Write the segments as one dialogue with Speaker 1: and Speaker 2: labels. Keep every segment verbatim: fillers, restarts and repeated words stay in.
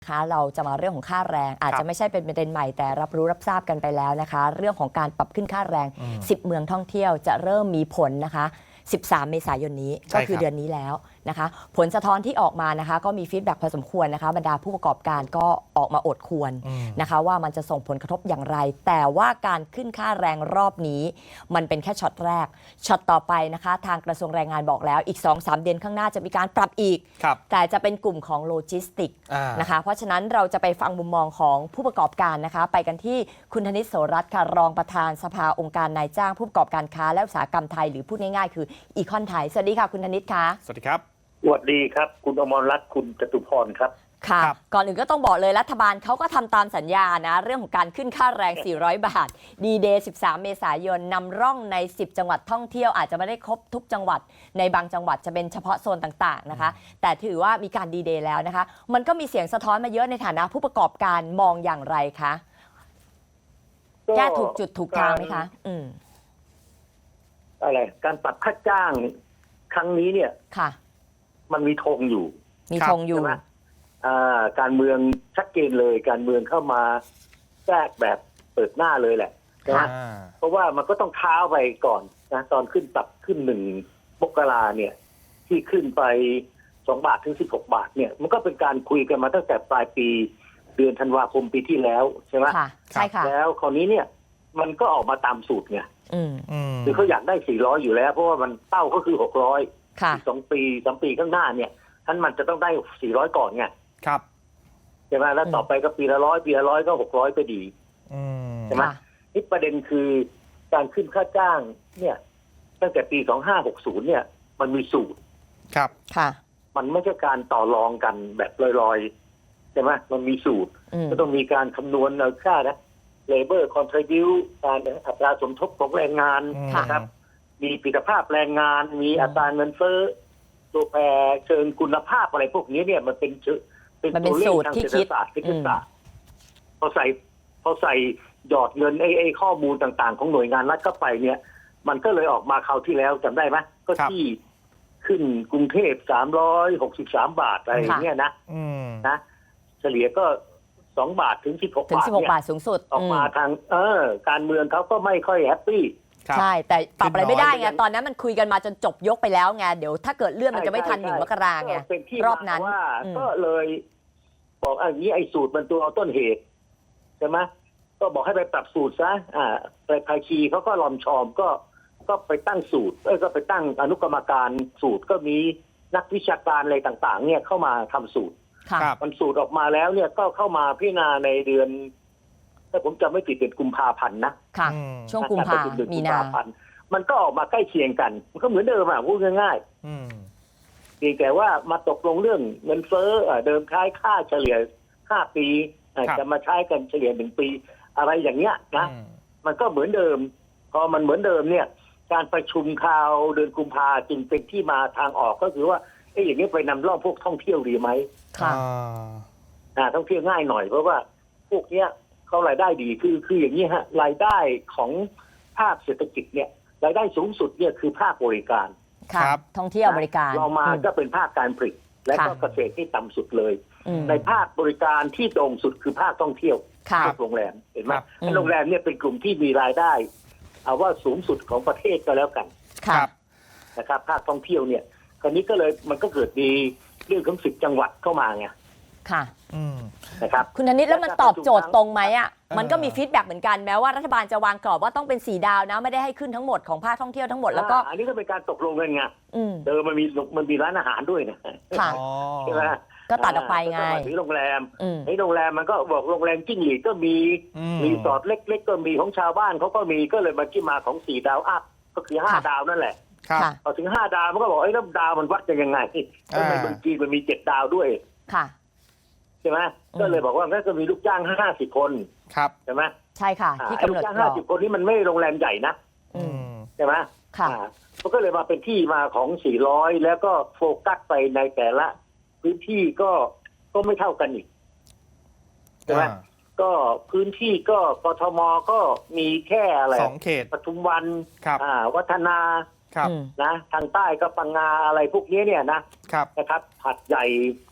Speaker 1: คะเราจะมาเรื่องของค่าแรงอาจจะไม่ใช่เป็นประเด็นใหม่แต่รับรู้รับทราบกันไปแล้วนะคะเรื่องของการปรับขึ้นค่าแรงสิบเมืองท่องเที่ยวจะเริ่มมีผลนะคะสิบสามเมษายนนี้ก็คือเดือนนี้แล้วนะคะผลสะท้อนที่ออกมานะคะก็มีฟีดแบ็กพอสมควรนะคะบรรดาผู้ประกอบการก็ออกมาอดควรนะคะว่ามันจะส่งผลกระทบอย่างไรแต่ว่าการขึ้นค่าแรงรอบนี้มันเป็นแค่ช็อตแรกช็อตต่อไปนะคะทางกระทรวงแรงงานบอกแล้วอีก สองถึงสาม เดือนข้างหน้าจะมีการปรับอีกแต่จะเป็นกลุ่มของโลจิสติกนะคะเพราะฉะนั้นเราจะไปฟังมุมมองของผู้ประกอบการนะคะไปกันที่คุณธนิต โสรัตน์ค่ะรองประธานสภาองค์การนายจ้างผู้ประกอบการค้าและอุตสาหกรรมไทยหรือพูดง่ายๆคืออีคอนไทยสวัสดีค่ะคุณธนิตค่ะ
Speaker 2: สวัสดีครับ
Speaker 3: สวัสดีครับคุณอมรรัตน์คุณจตุพรครับ
Speaker 1: ค่ะก่อนอื่นก็ต้องบอกเลยรัฐบาลเขาก็ทำตามสัญญานะเรื่องของการขึ้นค่าแรงสี่ร้อยบาทดีเดย์สิบสามเมษายนนำร่องในสิบจังหวัดท่องเที่ยวอาจจะไม่ได้ครบทุกจังหวัดในบางจังหวัดจะเป็นเฉพาะโซนต่างๆนะคะแต่ถือว่ามีการดีเดย์แล้วนะคะมันก็มีเสียงสะท้อนมาเยอะในฐานะผู้ประกอบการมองอย่างไรคะแก้ถูกจุดถูกทางไหมคะอืม
Speaker 3: อะไรการปรับค่าจ้างครั้งนี้เนี่ย
Speaker 1: ค่ะ
Speaker 3: มันมีธงอยู่
Speaker 1: มีธงอยู่
Speaker 3: การเมืองชัดเจนเลยการเมืองเข้ามาแทรกแบบเปิดหน้าเลยแหละนะเพราะว่ามันก็ต้องเท้าไปก่อนนะตอนขึ้นปรับขึ้นหนึ่งมกราเนี่ยที่ขึ้นไปสองบาทถึงสิบหกบาทเนี่ยมันก็เป็นการคุยกันมาตั้งแต่ปลายปีเดือนธันวาคมปีที่แล้วใช่ไหม
Speaker 1: ใช่ค่ะ
Speaker 3: แล้วคราวนี้เนี่ยมันก็ออกมาตามสูตรไงคือเขาอยากได้สี่ร้อยอยู่แล้วเพราะว่ามันเป้าก็คือหกร้อยอีกสองปีสามปีข้างหน้าเนี่ยท่านมันจะต้องได้สี่ร้อยก่อนไง
Speaker 2: ครับ
Speaker 3: ใช่ไหมแล้วต่อไปก็ปีละร้อยปีละร้อยก็หกร้อยไปดีใช่ไหมนี่ประเด็นคือการขึ้นค่าจ้างเนี่ยตั้งแต่ปีสองห้าหกศูนย์เนี่ยมันมีสูตร
Speaker 2: ครับ
Speaker 1: ค่ะ
Speaker 3: มันไม่ใช่การต่อรองกันแบบลอยๆใช่ไหมมันมีสูตรก็ต้องมีการคำนวณเอาค่านะ labor contribute การอัตราสมทบของแรงงานนะครับมีประสิทธิภาพแรงงานมีอัตราเงินเฟ้อตัวแปรเชิงคุณภาพอะไรพวกนี้เนี่ยมันเป็น
Speaker 1: เป็นตัวเลข
Speaker 3: ทางเศรษฐศาสตร์เศรษฐศาสตร์พอใส่พอใส่หยอดเงินไอ้ไอ้ข้อมูลต่างๆของหน่วยงานรัฐเข้าไปเนี่ยมันก็เลยออกมาคราวที่แล้วจำได้ไหมก็ที่ขึ้นกรุงเทพสามร้อยหกสิบสามบาทอะไรอย่างเงี้ยนะนะเฉลี่ยก็สองบาทถึงสิบหกบาทเนี่ย
Speaker 1: บาทสูงสุด
Speaker 3: ออกมาทางเออการเมืองเขาก็ไม่ค่อยแฮปปี้
Speaker 1: ใช่แต่ปรับอะไรไม่ได้ไงตอนนั้นมันคุยกันมาจนจบยกไปแล้วไงเดี๋ยวถ้าเกิดเลื่อนมันจะไม่ทันหนึ่งมกราไงรอบนั้น
Speaker 3: ว่าก็เลยบอกอย่างนี้ไอ้สูตรมันตัวต้นเหตุใช่ไหมก็บอกให้ไปปรับสูตรซะอ่าไปภาคีเขาก็ลอมชอมก็ก็ไปตั้งสูตรเอ้ยก็ไปตั้งอนุกรรมการสูตรก็มีนักวิชาการอะไรต่างๆเนี่ยเข้ามาทำสูตรมันสูตรออกมาแล้วเนี่ยก็เข้ามาพิจารณาในเดือนถ้าผมจำไม่ผิดเป็นกุมภาพันธ์นะ
Speaker 1: ค่ะช่วงกุมภามีนา
Speaker 3: พันธ์มันก็ออกมาใกล้เคียงกันมันก็เหมือนเดิมอ่ะพูดง่ายๆเพียงแต่ว่ามาตกลงเรื่องเงินเฟ้อเดิมใช้ค่าเฉลี่ยห้าปีจะมาใช้กันเฉลี่ยหนึ่งปีอะไรอย่างเงี้ยนะมันก็เหมือนเดิมพอมันเหมือนเดิมเนี่ยการประชุมคราวเดือนกุมภาจึงเป็นที่มาทางออกก็คือว่าไอ้อย่างนี้ไปนำร่องพวกท่องเที่ยวดีไหม
Speaker 1: ค่ะ
Speaker 3: อ่าท่องเที่ยวง่ายหน่อยเพราะว่าพวกเนี้ยเขารายได้ดีคือคืออย่างนี้ฮะรายได้ของภาคเศรษฐกิจเนี่ยรายได้สูงสุดเนี่ยคือภาคบริการ
Speaker 1: ครับท่องเที่ยวบริการ
Speaker 3: เรามาก็เป็นภาคการผลิตและก็เกษตรที่ต่ำสุดเลยในภาคบริการที่โด่งสุดคือภาคท่องเที่ยวภาคโรงแรมเห็นไหมโรงแรมเนี่ยเป็นกลุ่มที่มีรายได้เอาว่าสูงสุดของประเทศก็แล้วกันนะครับภาคท่องเที่ยวเนี่ยคราวนี้ก็เลยมันก็เกิดมีเรื่องของสิบจังหวัดเข้ามาไง
Speaker 1: ค่ะ
Speaker 3: นะครับ
Speaker 1: คุณธนิตแล้วมันตอบโจทย์ตรงไหมอ่ะมันก็มีฟีดแบ็กเหมือนกันแม้ว่ารัฐบาลจะวางกรอบว่าต้องเป็นสี่ดาวนะไม่ได้ให้ขึ้นทั้งหมดของภาคท่องเที่ยวทั้งหมดแล้วก็
Speaker 3: อันนี้ก็เป็นการตกลงกันไงเดิมมันมีมันมีร้านอาหารด้วยนะใช่ไหม
Speaker 1: ก็ตัดออกไปไง
Speaker 3: ที่โรงแรมในโรงแรมมันก็บอกโรงแรมจิ้งหรีดก็มีรีสอร์ทเล็กๆก็มีของชาวบ้านเขาก็มีก็เลยมาที่มาของสี่ดาวอัพก็คือห้าดาวนั่นแหละพอถึงห้าดาวมันก็บอกไอ้แล้วดาวมันวัดกันยังไงทำไมบางทีมันมีเจ็ดดาวด้วย
Speaker 1: ค่ะ
Speaker 3: ใช่ไหมก็เลยบอกว่างั้นก็มีลูกจ้างห้าสิบคน
Speaker 2: ครับ
Speaker 3: ใช่ไหม
Speaker 1: ใช่ค่ะที่กำหนด
Speaker 3: ลูกจ้างห้าสิบคนนี้มันไม่โรงแรมใหญ่นะใช่ไหม
Speaker 1: ค่ะ
Speaker 3: มันก็เลยมาเป็นที่มาของสี่ร้อยแล้วก็โฟกัสไปในแต่ละพื้นที่ก็ก็ไม่เท่ากันอีกใช่ไหมก็พื้นที่ก็กทมก็มีแค่อะไร
Speaker 2: สองเขต
Speaker 3: ปทุมวันวัฒนานะทางใต้ก็ปังงาอะไรพวกนี้เนี่ยนะนะครับหัดใหญ่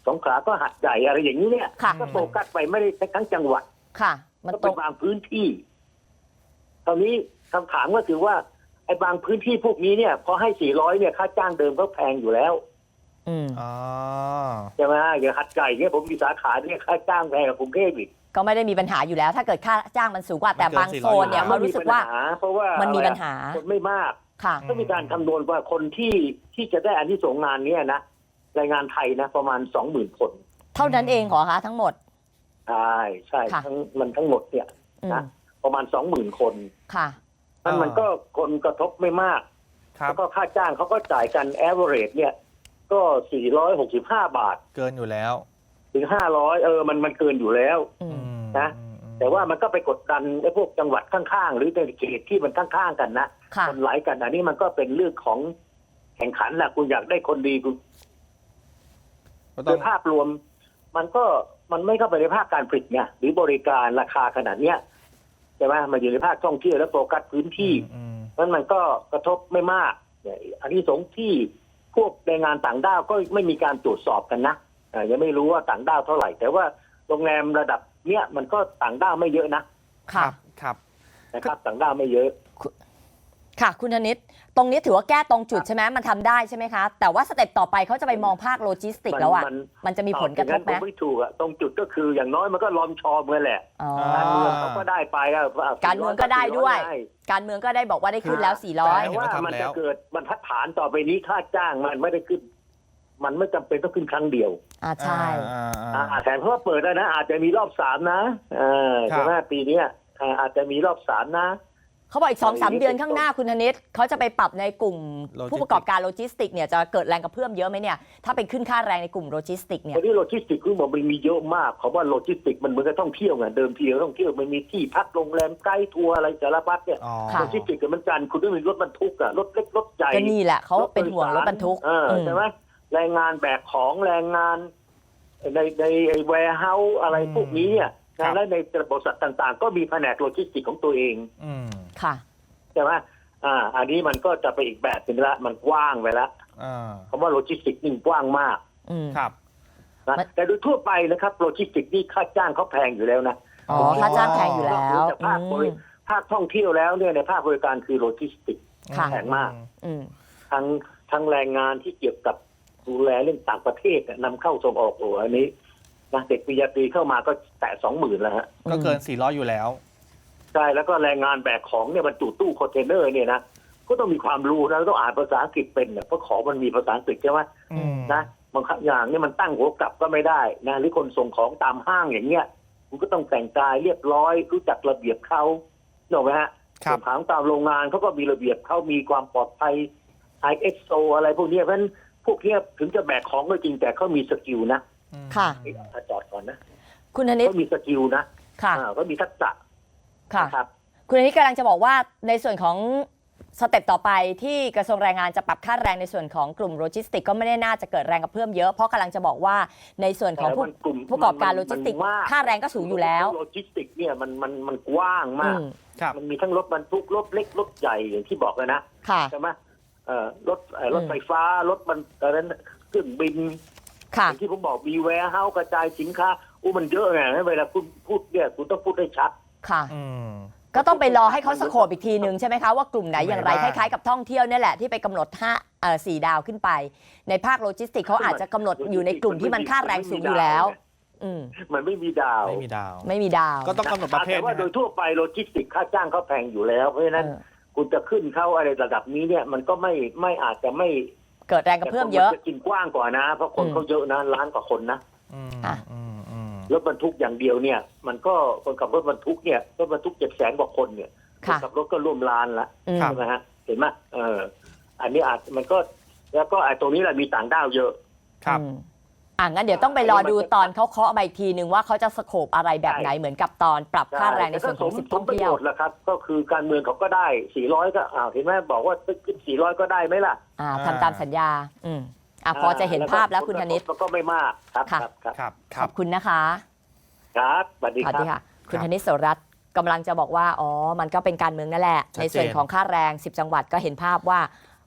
Speaker 3: สงขลาก็หัดใหญ่อะไรอย่างนี้เนี่ย
Speaker 1: ค่ะ
Speaker 3: ก็โฟกัสไปไม่ได้ทั้งจังหวัด
Speaker 1: ค่ะ มัน
Speaker 3: ก็
Speaker 1: ต
Speaker 3: เป็
Speaker 1: ร
Speaker 3: น
Speaker 1: ง
Speaker 3: บางพื้นที่ตอนนี้คำถามก็คือว่าไอ้บางพื้นที่พวกนี้เนี่ยพอให้สี่ร้อยเนี่ยค่าจ้างเดิมก็แพงอยู่แล้ว
Speaker 1: อืม
Speaker 2: อ๋อ
Speaker 3: ใช่ไหมอย่างหัดใหญ่เนี่ยผมมีสาขาเนี่ยค่าจ้างแพงกว่ากรุงเทพอีก
Speaker 1: ก็ไม่ได้มีปัญหาอยู่แล้ว ถ้าเกิดค่าจ้างมันสูงกว่าแต่บางโซนเนี่ยเขารู้สึกว่า
Speaker 3: เพราะว่า
Speaker 1: มันมี
Speaker 3: อะไร
Speaker 1: ปัญหา
Speaker 3: คนไม่มาก
Speaker 1: ค่ะ
Speaker 3: ก็มีการคำนวณว่าคนที่ที่จะได้อานิสงส์งานเนี้ยนะแรงงานไทยนะประมาณสองหมื่นคน
Speaker 1: เท่านั้นเองเหรอคะทั้งหมด
Speaker 3: ใช่ใช่
Speaker 1: ค่ะ
Speaker 3: ทั้งมันทั้งหมดเนี่ย
Speaker 1: อืม
Speaker 3: นะประมาณสองหมื่นคน
Speaker 1: ค่ะ
Speaker 3: นั่นมันก็คนกระทบไม่มาก
Speaker 2: ครับ
Speaker 3: แล้วก็ค่าจ้างเขาก็จ่ายกัน average เนี่ย ก็สี่ร้อยหกสิบห้าบาท
Speaker 2: เกินอยู่แล้ว
Speaker 3: ถึงห้าร้อยเออมันมันเกินอยู่แล้ว
Speaker 1: อืม
Speaker 3: นะ
Speaker 2: อืมอืม
Speaker 3: แต่ว่ามันก็ไปกดดันไอ้พวกจังหวัดข้างๆ หรือในเขตที่มันข้างๆกันนะ
Speaker 1: ค่ะ
Speaker 3: คนไหลกันอันนี้มันก็เป็นเรื่องของแข่งขันแหละคุณอยากได้คนดีคุณ
Speaker 2: ก็
Speaker 3: โด
Speaker 2: ต้อง
Speaker 3: ยภาพรวม มันก็มันไม่เข้าไปในภาคการผลิตเนี่ยหรือบริการราคาขนาดเนี้ยใช่ไหมมันอยู่ในภาคท่องเที่ยวและโฟกัสพื้นที่
Speaker 2: อืม
Speaker 3: นั้นมันก็กระทบไม่มากเนี่ยอันนี้สงส์ที่พวกแรงงานต่างด้าวก็ไม่มีการตรวจสอบกันนะอ่ายังไม่รู้ว่าต่างด้าวเท่าไหร่ แต่ว่าโรงแรมระดับเนี้ยมันก็ต่างด้าวไม่เยอะนะ
Speaker 2: ครั
Speaker 1: ค่ะ
Speaker 2: บครับ
Speaker 3: นะครับต่างด้าวไม่เยอะ
Speaker 1: ค่ะ คุณธนิตตรงนี้ถือว่าแก้ตรงจุดใช่ไหมมันทำได้ใช่ไหมคะ แต่ว่าสเต็ปต่อไปเขาจะไปมองภาคโลจิสติกแล้วอ่ะ
Speaker 3: มัน
Speaker 1: มันจะมีผลกระทบไหม
Speaker 3: ผมไม่ถูกอะตรงจุดก็คืออย่างน้อยมันก็ลอมชอมกันแหละ
Speaker 1: อ๋อ
Speaker 3: การเมืองเขาก็ได้ไปอะ
Speaker 1: การเมืองก็ได้ด้วย การเมืองก็ได้บอกว่าได้ขึ้นแล้ว สี่ร้อย
Speaker 3: แต่ว่ามันจะเกิดบรรทัดฐานต่อไปนี้ค่าจ้างมันไม่ได้ขึ้น มันไม่จำเป็นต้องขึ้นครั้งเดียว
Speaker 1: อ่าใช่
Speaker 2: อ่าอ่า
Speaker 3: อ่าแต่เพราะว่าเปิดแล้วนะอาจจะมีรอบสามนะเออ
Speaker 2: ครับ
Speaker 3: ใช่ไหมปีเนี้ยอ่าอาจจะมีรอบสามนะ
Speaker 1: เขาบอกอีกสองสามเดือนข้างหน้าคุณธนิตเขาจะไปปรับในกลุ่ม
Speaker 2: โลจิสติก
Speaker 1: ผู้ประกอบการโลจิสติกเนี่ยจะเกิดแรงกระเพื่อมเยอะไหมเนี่ยถ้าเป็นขึ้นค่าแรงในกลุ่มโลจิสติกเนี่
Speaker 3: ต
Speaker 1: ย
Speaker 3: อนนี้โลจิสติกคือบอกมันมีเยอะมากเขาว่าโลจิสติกมันเหมือนกับท่องเที่ยวไงเดิมทีเราท่องเที่ยวมันมีที่พักโรงแรมไกด์ทัวร์อะไรสารพัดเนี่ย
Speaker 2: อ๋อ
Speaker 1: ค่ะ
Speaker 3: โลจิสติกกับมันกันคุณต้องมีรถบรรทุกอะรถเล็กรถใหญ่
Speaker 1: ก็นี่แหละเขาเป็นห่วงรถบรรทุก
Speaker 3: เออ
Speaker 1: อืม
Speaker 3: ใช่ไหมแรงงานแบกของแรงงานในในไอ้แวร์เฮาส์อะไรพวกนี้เนี่ย
Speaker 2: ครับ
Speaker 3: และในบริษัทต่างๆ ก็มีแผนกโลจิสติกของตัวเอง
Speaker 2: อืม
Speaker 1: ค่ะ
Speaker 3: ใช่ไหมอ่า อันนี้มันก็จะไปอีกแบบหนึงละมันกว้างไปละ
Speaker 2: อ่า
Speaker 3: คำว่าโลจิสติกนี่กว้างมาก
Speaker 1: อืม
Speaker 2: ครับ
Speaker 3: นะ
Speaker 1: มัน
Speaker 3: แต่โดยทั่วไปนะครับโลจิสติกนี่ค่าจ้างเขาแพงอยู่แล้วนะ
Speaker 1: อ๋อค่าจ้างแพงอยู่แล้ว
Speaker 3: แต่ภาคบ
Speaker 1: อื
Speaker 3: ริ
Speaker 1: ม
Speaker 3: ภาคท่องเที่ยวแล้วเนี่ยในภาคบริการคือโลจิสติก
Speaker 1: ค่ะ
Speaker 3: แพงมาก
Speaker 1: อืม
Speaker 3: ทั้งทั้งแรงงานที่เกี่ยวกับดูแลเรื่องต่างประเทศน่ะนำเข้าส่งออกโอ้โหอันนี้นะเด็กปริญญาตรีเข้ามาก็แตะสองหมื่นแล้วฮะ
Speaker 2: ก็เกินสี่ร้อยอยู่แล้ว
Speaker 3: ใช่แล้วก็แรงงานแบกของเนี่ยบรรจุตู้คอนเทนเนอร์เนี่ยนะก็ต้องมีความรู้นะต้องอ่านภาษาอังกฤษเป็นเนี่ยเพราะของมันมีภาษาอังกฤษใช่ไหม
Speaker 2: อืม
Speaker 3: นะบางอย่างเนี่ยมันตั้งหัวกลับก็ไม่ได้นะหรือคนส่งของตามห้างอย่างเงี้ยคุณก็ต้องแต่งกายเรียบร้อยรู้จักระเบียบเขาถูกไหมฮะ
Speaker 2: ครับ
Speaker 3: ส่งของตามโรงงานเขาก็มีระเบียบเขามีความปลอดภัย ไอ เอส โอ อะไรพวกเนี้ยเพราะฉะนั้นพวกเนี้ยถึงจะแบกของก็จริงแต่เขามีสกิลนะ
Speaker 1: ค่ะ
Speaker 3: เอ๊ะจอดก่อนนะ
Speaker 1: คุณธนิต
Speaker 3: เขามีสกิลนะ
Speaker 1: ค่ะ
Speaker 3: อ่าก็มีทักษะ
Speaker 1: ค่ะ
Speaker 3: นะครับ
Speaker 1: คุณธนิตกำลังจะบอกว่าในส่วนของสเต็ปต่อไปที่กระทรวงแรงงานจะปรับค่าแรงในส่วนของกลุ่มโลจิสติกก็ไม่ได้น่าจะเกิดแรงกระเพื่อมเยอะเพราะกำลังจะบอกว่าในส่วนของผู้
Speaker 3: แต่มันกลุ่ม
Speaker 1: ผู้ประกอบการโลจิสติก
Speaker 3: มันมาก
Speaker 1: ค่าแรงก็สูงอยู่แล้ว
Speaker 3: โลจิสติกเนี่ยมันมันมันกว้างมาก
Speaker 1: อืม
Speaker 2: ครับ
Speaker 3: มันมีทั้งรถบรรทุกรถเล็กรถใหญ่อย่างที่บอกเลยนะ
Speaker 1: ค่ะ
Speaker 3: ใช่ไหมเอ่อรถเอ่อรถ
Speaker 1: อืม
Speaker 3: ไฟฟ้ารถมันอะไรนั้นเครื่องบิน
Speaker 1: ค่ะ
Speaker 3: อย่างที่ผมบอกมีแวร์เฮาส์กระจายสินค้าอู้มันเยอะไงเวลาคุณพูดเนี่ยคุณต้องพูดให้ชัด
Speaker 1: ค่ะ
Speaker 2: อืม
Speaker 1: ก็ต้องไปรอให้เขาสโคปอีกทีหนึ่งใช่ไหมคะว่ากลุ่มไหนอย่างไร
Speaker 2: ไม่
Speaker 1: ค
Speaker 2: ได้
Speaker 1: ล้ายๆกับท่องเที่ยวเนี่ยแหละที่ไปกำหนดห้าเอ่อสี่ดาวขึ้นไป ในภาคโลจิสติกเขาอาจจะกำหนดอยู่ในกลุ่มที่มันค่าแรงสูงอยู่แล้ว อืม
Speaker 3: มันไม่มีดาว
Speaker 2: ไม่มีดาว
Speaker 1: ไม่มีดาว
Speaker 2: ก็ต้องกำหนดประเภท
Speaker 3: แต่ว่า
Speaker 2: นะ
Speaker 3: โดยทั่วไปโลจิสติกค่าจ้างเขาแพงอยู่แล้วเพราะฉะนั้น
Speaker 1: เออ
Speaker 3: คุณจะขึ้นเข้าอะไรระดับนี้เนี่ย มันก็ไม่ไม่อาจจะไม่
Speaker 1: เกิดแรงกระเพื่อมเยอะ
Speaker 3: แต่คนนจะกินกว้างกว่านะ เพราะคน
Speaker 1: อืม
Speaker 3: เขาเยอะนะล้านกว่าคนนะ
Speaker 2: อืม
Speaker 1: อ่ะ
Speaker 2: อืมอืม
Speaker 3: รถบรรทุกอย่างเดียวเนี่ย มันก็คนขับรถบรรทุกเนี่ยรถบรรทุกเจ็ดแสนกว่าคนเนี่ยคน
Speaker 1: ค่ะ
Speaker 3: ขับรถก็ร่วมล้านละ
Speaker 1: อืม
Speaker 2: ครับ
Speaker 3: ใช่ไหมฮะเห็นไหมเออ อันนี้อาจมันก็แล้วก็ไอ้ตรงนี้แหละมีต่างด้าวเยอะ
Speaker 2: ครับ
Speaker 1: อืมอ่ะงั้นเดี๋ยวต้องไปรอดูตอนเขาเคาะมาอีกทีนึงว่าเขาจะสโคปอะไรแบบไหนเหมือนกับตอนปรับค่าแรงในส่วนของสิบ
Speaker 3: ผ
Speaker 1: ท่
Speaker 3: ล
Speaker 1: อง
Speaker 3: ประ
Speaker 1: เที่
Speaker 3: โย
Speaker 1: ยว
Speaker 3: ชน์แหละครับ ก็คือการเมืองเขาก็ได้สี่ร้อยก็อ้าวเห็นไหมบอกว่าขึ้นสี่ร้อยก็ได้ไหมล่ะ
Speaker 1: อ่าทำตามสัญญา อืมอ่ะพอจะเห็นภาพแล้วคุณธนิต
Speaker 3: มันก็ไม่มากครับ
Speaker 1: ค่ะ
Speaker 3: ครับครับ
Speaker 2: ครับ ค
Speaker 1: ข
Speaker 2: รั
Speaker 1: อ
Speaker 2: บบ
Speaker 1: คุณนะคะ
Speaker 3: ครับสวัสดี
Speaker 1: สวัส
Speaker 3: ครั
Speaker 1: ดี
Speaker 3: บ
Speaker 1: ค่ะ คุณ
Speaker 2: ครับ
Speaker 1: ธนิตโสรัตน์กำลังจะบอกว่า อ๋อ มันก็เป็นการเมืองนั่นแหละ
Speaker 2: ชัดเจน
Speaker 1: ในส่วนของค่าแรงสิบจังหวัดก็เห็นภาพว่า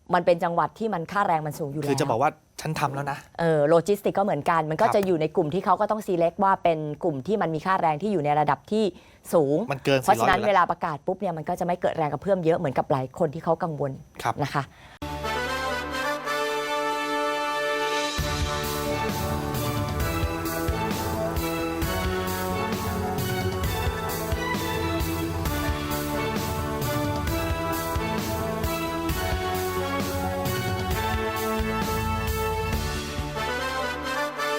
Speaker 1: มันเป็นจังหวัดที่มันค่าแรงมันสูงอยู่แล้ว
Speaker 2: คือจะบอกว่าฉันทำแล้วนะ
Speaker 1: เออโลจิสติกก็เหมือนกัน มันก็
Speaker 2: ครับ
Speaker 1: จะอยู่ในกลุ่มที่เขาก็ต้อง select ว่าเป็นกลุ่มที่มันมีค่าแรงที่อยู่ในระดับที่สูง
Speaker 2: มันเกิน
Speaker 1: เพราะฉะนั้น
Speaker 2: สี่ร้อยอยู่
Speaker 1: เว
Speaker 2: แล้ว
Speaker 1: ลาประกาศปุ๊บเนี่ยมันก็จะไม่เกิดแรงกระเพื่อมเยอะเหมือนกับหลายคนที่เขากังวล
Speaker 2: ครับ
Speaker 1: นะคะ